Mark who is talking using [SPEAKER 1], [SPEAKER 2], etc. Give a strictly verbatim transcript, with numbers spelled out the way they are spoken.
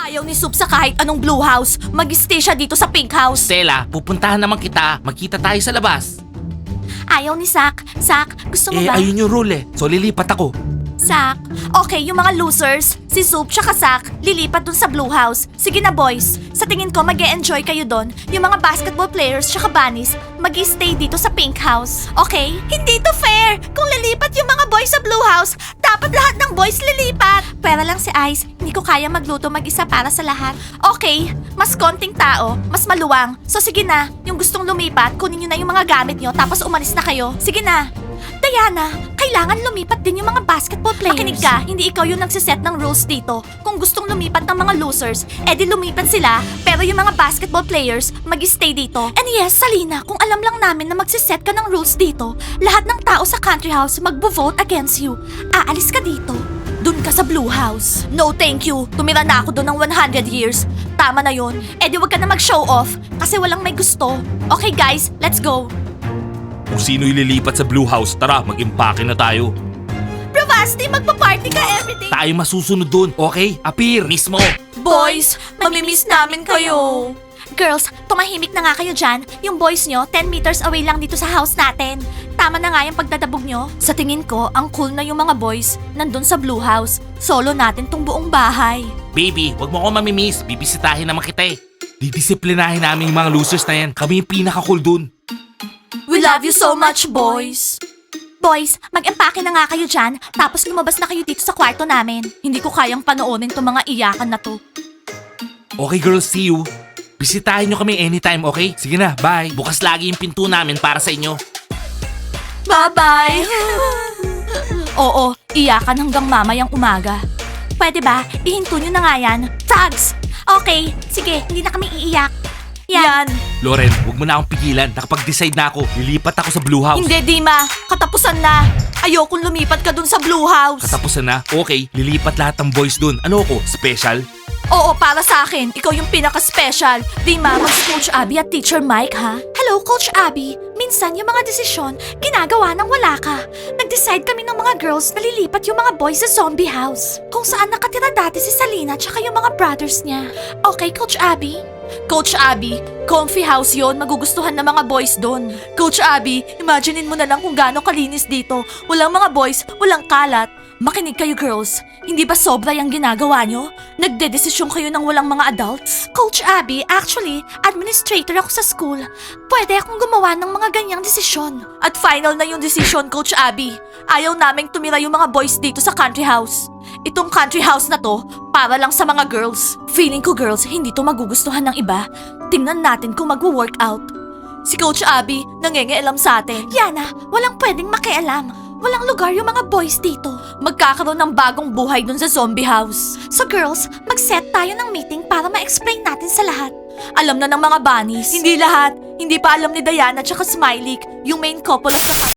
[SPEAKER 1] Ayaw ni Soup sa kahit anong blue house. Mag-stay siya dito sa pink house.
[SPEAKER 2] Stella, pupuntahan naman kita. Magkita tayo sa labas.
[SPEAKER 1] Ayaw ni Zack. Zack, gusto mo
[SPEAKER 2] Eh,
[SPEAKER 1] ba?
[SPEAKER 2] ayun yung rule eh. So lilipat ako.
[SPEAKER 1] Zack. Okay, yung mga losers, si Soup tsaka Zack, lilipat dun sa blue house. Sige na boys, sa tingin ko mag enjoy kayo dun. Yung mga basketball players tsaka bunnies, mag stay dito sa pink house. Okay? Hindi to fair! Kung lilipat yung mga boys sa blue house, dapat lahat ng boys lilipat. Pera lang si Ice, hindi ko kaya magluto mag-isa para sa lahat. Okay, mas konting tao, mas maluwang. So sige na, yung gustong lumipat, kunin nyo na yung mga gamit nyo tapos umalis na kayo. Sige na. Diana, kailangan lumipat din yung mga basketball players. Makinig ka, hindi ikaw yung nagsiset ng rules dito. Kung gustong lumipat ng mga losers, edi lumipat sila, pero yung mga basketball players, mag-stay dito. And yes, Salina, kung alam lang namin na magsiset ka ng rules dito, lahat ng tao sa country house magbo-vote against you. Aalis ka dito. Dun ka sa blue house. No thank you, tumira na ako doon ng one hundred years. Tama na yun, edi wag ka na mag-show off, kasi walang may gusto. Okay guys, let's go.
[SPEAKER 2] Kung sino ililipat sa Blue House, tara, mag-impake na tayo.
[SPEAKER 1] Bravasti, magpa-party ka everyday.
[SPEAKER 2] Tayo masusunod dun, okay? Appear, mismo.
[SPEAKER 1] Boys, mamimiss namin kayo. Girls, tumahimik na nga kayo dyan. Yung boys nyo, ten meters away lang dito sa house natin. Tama na nga yung pagdadabog nyo. Sa tingin ko, ang cool na yung mga boys nandun sa blue house. Solo natin tong buong bahay.
[SPEAKER 2] Baby, wag mo ko mamimiss. Bibisitahin naman kita eh. Didisiplinahin namin yung mga losers na yan. Kami yung pinaka-cool dun.
[SPEAKER 1] We love you so much, boys. Boys, mag-empake na nga kayo dyan, tapos lumabas na kayo dito sa kwarto namin. Hindi ko kayang panoonin tong mga iyakan na to.
[SPEAKER 2] Okay girls, see you. Bisitahin nyo kami anytime, okay? Sige na, bye. Bukas lagi yung pinto namin para sa inyo.
[SPEAKER 1] Bye-bye! Oo, iyakan hanggang mamayang umaga. Pwede ba? Ihinto nyo na nga yan. Tags! Okay, sige, hindi na kami iiyak. Yan.
[SPEAKER 2] Loren, wag mo na akong pigilan. Nakapag-decide na ako. Lilipat ako sa Blue House.
[SPEAKER 1] Hindi, Dima. Katapusan na. Ayokong lumipat ka dun sa Blue House.
[SPEAKER 2] Katapusan na? Okay, lilipat lahat ng boys dun. Ano ako? Special?
[SPEAKER 1] Oo, para sa akin. Ikaw yung pinaka-special. Dima, mag-Coach Abby at Teacher Mike, ha? Hello, Coach Abby. Minsan, yung mga desisyon, ginagawa nang wala ka. Nag-decide kami ng mga girls na lilipat yung mga boys sa zombie house. Kung saan nakatira dati si Salina tsaka yung mga brothers niya. Okay, Coach Abby? Coach Abby, comfy house yon, magugustuhan ng mga boys doon. Coach Abby, imaginein mo na lang kung gaano kalinis dito. Walang mga boys, walang kalat. Makinig kayo girls, hindi ba sobra yung ginagawa nyo? Nagdedesisyon kayo ng walang mga adults? Coach Abby, actually, administrator ako sa school. Pwede akong gumawa ng mga ganyang desisyon. At final na yung desisyon, Coach Abby. Ayaw naming tumira yung mga boys dito sa country house. Itong country house na to, para lang sa mga girls. Feeling ko girls, hindi to magugustuhan ng iba. Tingnan natin kung magwo-workout. Si Coach Abby, nangengialam sa atin. Yana, walang pwedeng makialam. Walang lugar yung mga boys dito. Magkakaroon ng bagong buhay dun sa zombie house. So girls, mag-set tayo ng meeting para ma-explain natin sa lahat. Alam na ng mga bunnies. Hindi lahat. Hindi pa alam ni Diana tsaka Smiley, yung main couple of the